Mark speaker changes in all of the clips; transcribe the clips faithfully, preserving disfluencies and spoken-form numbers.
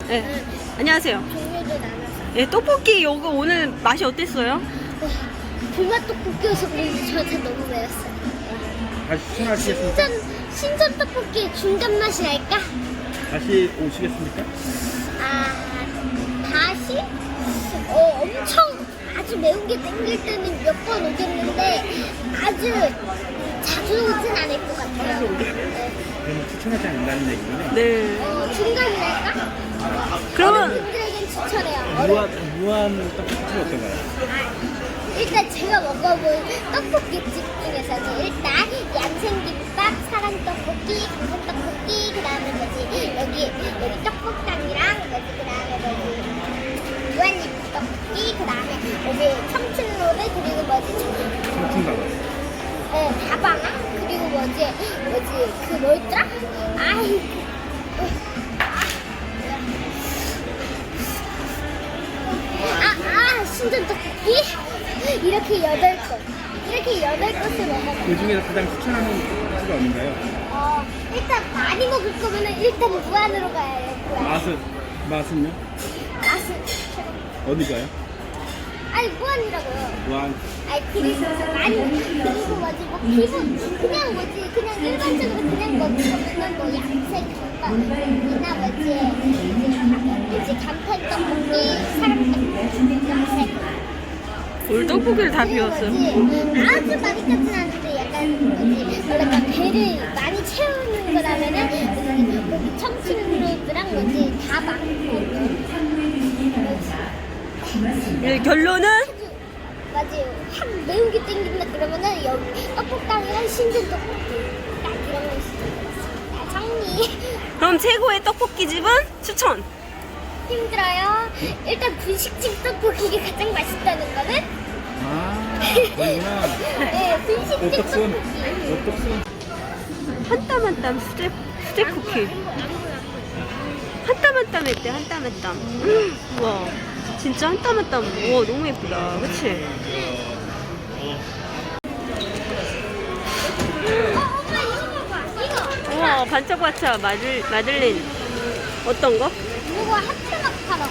Speaker 1: 네.
Speaker 2: 응.
Speaker 1: 안녕하세요.
Speaker 2: 종류를 나눠서.
Speaker 1: 예, 떡볶이 요거 오늘 맛이 어땠어요?
Speaker 2: 와, 불맛 떡볶이여서 그런지 저한테 너무 매웠어요.
Speaker 3: 다시 추천하시겠습니까?
Speaker 2: 신전, 신전 떡볶이 중간 맛이 날까?
Speaker 3: 다시 오시겠습니까?
Speaker 2: 아, 다시? 어, 엄청 아주 매운 게 땡길 때는 몇 번 오겠는데 아주 자주 오진 않을 것 같아요. 네.
Speaker 3: 그러면 추천하지 않는다는 얘기군요.
Speaker 1: 네.
Speaker 2: 어, 중간이랄까?
Speaker 1: 그러면
Speaker 2: 어른들에겐 추천해요. 어른.
Speaker 3: 무한, 무한 떡볶이 어떤가요?
Speaker 2: 아, 일단 제가 먹어본 떡볶이집 중에서는 일단 얌생김밥, 사랑떡볶이, 강정떡볶이, 그 다음에 뭐지 여기 여기 떡볶당이랑 뭐지 그 다음에 뭐지 무한리필 떡볶이, 그 다음에 뭐지 청춘로드 그리고 뭐지
Speaker 3: 청춘가요.
Speaker 2: 네, 다방아 그리고 뭐지 뭐지 그 뭐였더라? 아이 아, 아, 신전 떡볶이? 이렇게 여덟 곳. 이렇게 여덟 곳을 먹어봐.
Speaker 3: 그 중에서 가장 추천하는 곳이 어딘가요?
Speaker 2: 어, 일단 많이 먹을 거면은 일단 무한으로 가야 해. 무한.
Speaker 3: 맛은, 맛은요?
Speaker 2: 맛은.
Speaker 3: 어디가요?
Speaker 2: 아니, 무한이라고요.
Speaker 3: 무한.
Speaker 2: 아니, 그리고 많이, 그리고 뭐지, 뭐, 기본, 그냥 뭐지, 그냥 일반적으로 그냥 먹을 거면은 뭐, 양색 김밥이나 뭐지, 뭐지, 간편 떡볶이, 사람 떡볶이, 양색.
Speaker 1: 오늘 떡볶이를 다 비웠어요.
Speaker 2: 아주 많이 까진 않은데 약간 뭐지 뭐랄까 배를 많이 채우는 거라면은 거기 청춘로드랑 뭐지 다 많고
Speaker 1: 네, 결론은
Speaker 2: 맞아요. 확 매운 게 땡긴다 그러면은 여기 떡볶당이랑 신전 떡볶이 딱 이런 거 있어요. 정리.
Speaker 1: 그럼 최고의 떡볶이 집은 추천.
Speaker 2: 힘들어요. 일단 분식집 떡볶이가 가장 맛있다는 거는
Speaker 3: 아, 그러구나.
Speaker 2: 네 분식집
Speaker 3: 오떡순.
Speaker 2: 떡볶이.
Speaker 3: 오떡순.
Speaker 1: 한 땀 한 땀 수제 수제 쿠키. 한 땀 한 땀 했대 한 땀 한 땀. 음, 우와 진짜 한 땀 한 땀. 우와 너무 예쁘다. 그치?
Speaker 2: 어, 엄마 이거 봐봐. 이거.
Speaker 1: 우와 반짝반짝 마들 마들린 어떤 거?
Speaker 2: 이거 하트 마카롱.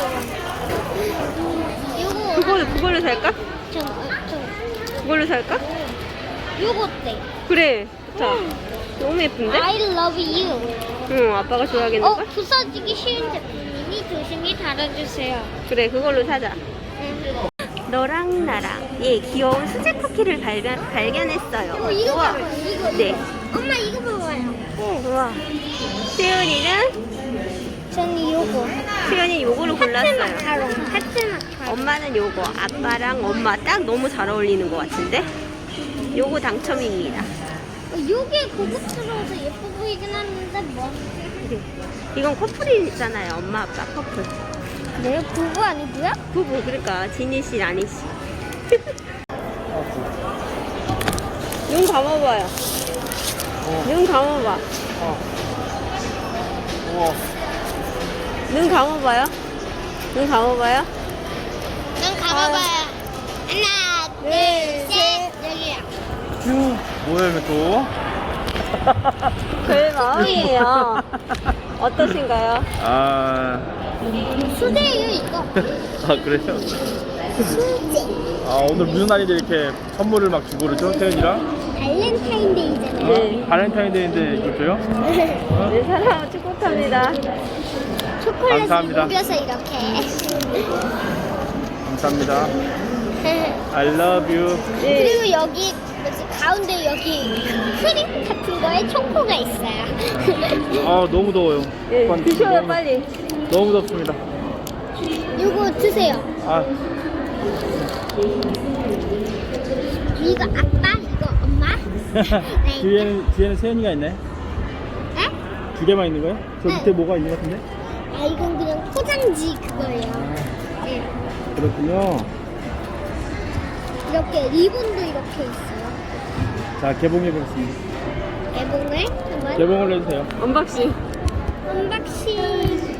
Speaker 2: 이거.
Speaker 1: 그걸로 그걸로 살까?
Speaker 2: 좀, 좀.
Speaker 1: 그걸로 살까?
Speaker 2: 이거 어때?
Speaker 1: 그래. 자 너무 예쁜데?
Speaker 2: I love you.
Speaker 1: 응 아빠가 좋아하겠는
Speaker 2: 어,
Speaker 1: 걸?
Speaker 2: 부서지기 쉬운 제품이니 조심히 달아주세요.
Speaker 1: 그래 그걸로 사자. 너랑 나랑 예 귀여운 수제 쿠키를 발견 발견했어요.
Speaker 2: 어, 이거
Speaker 1: 우와.
Speaker 2: 봐봐요. 이거.
Speaker 1: 네.
Speaker 2: 이거. 엄마 이거 봐봐요.
Speaker 1: 우와. 세연이는
Speaker 2: 저는 요거.
Speaker 1: 세연이 요거를
Speaker 2: 하트
Speaker 1: 골랐어요.
Speaker 2: 마카롱. 하트 마카롱.
Speaker 1: 엄마는 요거, 아빠랑 엄마 딱 너무 잘 어울리는 것 같은데? 요거 당첨입니다.
Speaker 2: 어, 요게 고급스러워서 예뻐 보이긴 하는데 뭐.
Speaker 1: 이건 커플이잖아요. 엄마, 아빠 커플.
Speaker 2: 네, 부부 아니고요?
Speaker 1: 부부, 그러니까 지니 씨, 아니 씨. 눈 감아봐요.
Speaker 3: 어.
Speaker 1: 눈 감아봐.
Speaker 3: 어. 우와.
Speaker 1: 눈 감아봐요. 눈 감아봐요.
Speaker 2: 눈 감아봐요. 하나, 둘, 셋. 여기요.
Speaker 3: 휴. 뭐야, 이거 또?
Speaker 1: 그 마음이에요. 어떠신가요?
Speaker 3: 아.
Speaker 2: 수제예요, 이거.
Speaker 3: 아, 그래요?
Speaker 2: 수제.
Speaker 3: 아, 오늘 무슨 날인데 이렇게 선물을 막 주고 그러죠? 태연이랑?
Speaker 2: 발렌타인데이잖아요.
Speaker 1: 네.
Speaker 3: 발렌타인데이인데 이걸 줘요? 어?
Speaker 1: 네, 사랑하고 축복합니다.
Speaker 2: 초콜릿을
Speaker 3: 감사합니다.
Speaker 2: 녹여서 이렇게.
Speaker 3: 감사합니다. I love you.
Speaker 1: 네.
Speaker 2: 그리고 여기 뭐지 가운데 여기 크림 같은 거에 초코가 있어요.
Speaker 3: 아, 너무 더워요.
Speaker 1: 네,
Speaker 3: 오빠는
Speaker 1: 드셔요,
Speaker 3: 너무,
Speaker 1: 빨리.
Speaker 3: 너무 덥습니다.
Speaker 2: 이거 드세요.
Speaker 3: 아,
Speaker 2: 이거 아빠, 이거 엄마. 네.
Speaker 3: 뒤에는, 뒤에는 세연이가 있네.
Speaker 2: 네?
Speaker 3: 두 개만 있는 거예요? 저
Speaker 2: 네.
Speaker 3: 밑에 뭐가 있는 것 같은데?
Speaker 2: 아 이건 그냥 포장지 그거예요. 네.
Speaker 3: 그렇군요.
Speaker 2: 이렇게 리본도 이렇게 있어요.
Speaker 3: 자, 개봉해보겠습니다.
Speaker 2: 개봉을 한번.
Speaker 3: 개봉을 해주세요.
Speaker 1: 언박싱.
Speaker 2: 언박싱은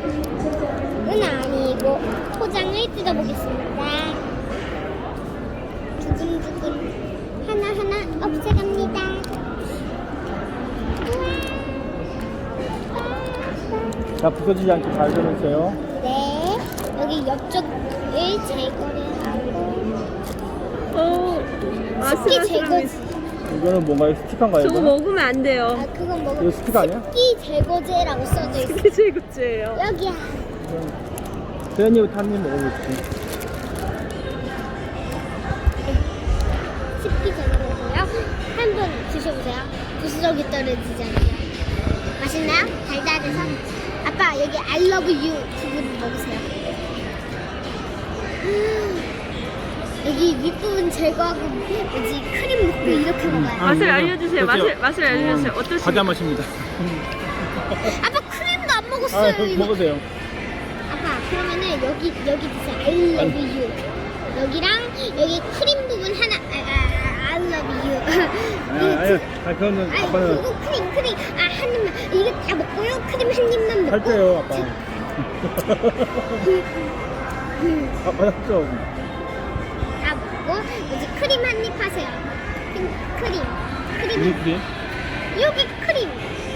Speaker 2: 아니고 포장을 뜯어보겠습니다. 두근두근 하나하나 없애갑니다. 우와.
Speaker 3: 자, 부서지지 않게 잘 전해주세요.
Speaker 2: 네. 여기 옆쪽을 제거를 하고.
Speaker 1: 어,
Speaker 2: 습기 제거.
Speaker 3: 이거는 뭔가요? 스티커인가요?
Speaker 1: 저거
Speaker 3: 이거는?
Speaker 1: 먹으면 안 돼요.
Speaker 2: 아, 그건 뭐가?
Speaker 3: 이거 스티커 아니야?
Speaker 2: 습기 제거제라고 써져 있어.
Speaker 1: 이게 제일 굿즈예요.
Speaker 2: 여기야.
Speaker 3: 세연이부터 한 입 먹어볼게.
Speaker 2: 습기 제거제고요. 한번 드셔보세요. 부스러기 떨어지지 않아요. 맛있나요? 달달해서. 아빠 여기 I love you 부분 먹으세요. 여기 윗부분 제거하고 뭐지 크림 먹고 이렇게 먹어요.
Speaker 1: 맛을 알려주세요. 맛을
Speaker 3: 그렇죠?
Speaker 1: 맛을 알려주세요. 어떠십니까?
Speaker 3: 과자 맛입니다.
Speaker 2: 아빠 크림도 안
Speaker 3: 아,
Speaker 2: 먹었어요. 이거.
Speaker 3: 먹으세요.
Speaker 2: 아빠 그러면은 여기 여기 드세요. I love you. 여기랑 여기 크림 부분 하나. 아, 아, 아, I love you.
Speaker 3: 아, 아니, 아, 그거는
Speaker 2: 아니
Speaker 3: 아빠는
Speaker 2: 그거 크림 크림 아 한 입만 이거 다 먹고요. 크림 한 입만 먹고.
Speaker 3: 할 때요, 아빠. 아빠 했죠.
Speaker 2: 다 먹고 이제 크림 한 입 하세요. 크림 크림 크림
Speaker 3: 무슨
Speaker 2: 한-
Speaker 3: 크림?
Speaker 2: 여기 크림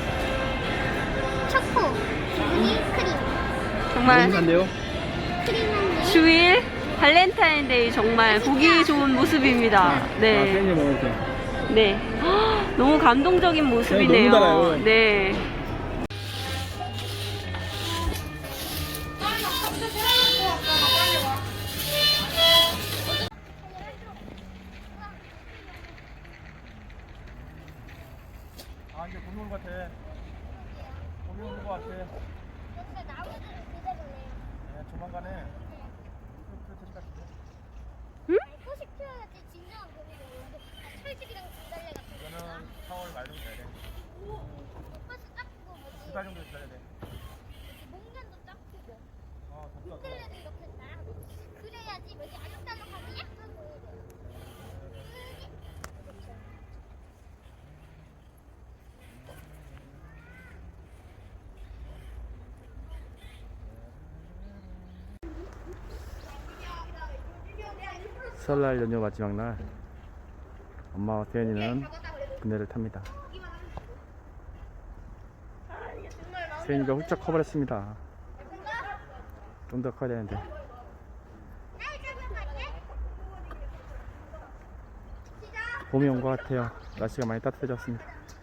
Speaker 2: 초코 부분이 크림
Speaker 1: 정말
Speaker 3: 한데요?
Speaker 2: 크림 한 입.
Speaker 1: 주일 발렌타인데이 정말 보기 좋은 모습입니다.
Speaker 3: 아,
Speaker 1: 네,
Speaker 3: 세연이 먹을게.
Speaker 1: 네. 헉, 너무 감동적인 모습이네요.
Speaker 3: 너무 달아요.
Speaker 1: 네.
Speaker 3: 아, 이제 봄이 온것 같아. 봄이 오는 것 같아.
Speaker 2: 여기가 나무들 그대로네요.
Speaker 3: 네, 조만간에 이거 될 것 같은데.
Speaker 1: 응?
Speaker 2: 꽃이 피어야지 진정한 봄이 되는데 철집이랑 진달래 같은 거.
Speaker 3: 이거는 사월 말 정도 돼야 돼.
Speaker 2: 꽃이 딱 크고 뭐지?
Speaker 3: 두 달 정도 기다려야 돼.
Speaker 2: 목련도 딱 크고.
Speaker 3: 어, 덥다.
Speaker 2: 흔들레도 이렇게 딱 그래야지 뭐지 알록달록하게 약간 보여요. 그렇죠.
Speaker 3: 설날 연휴 마지막 날 엄마와 세연이는 그네를 탑니다. 세연이가 훌쩍 커버렸습니다. 좀 더 커야 되는데. 봄이 온 것 같아요. 날씨가 많이 따뜻해졌습니다.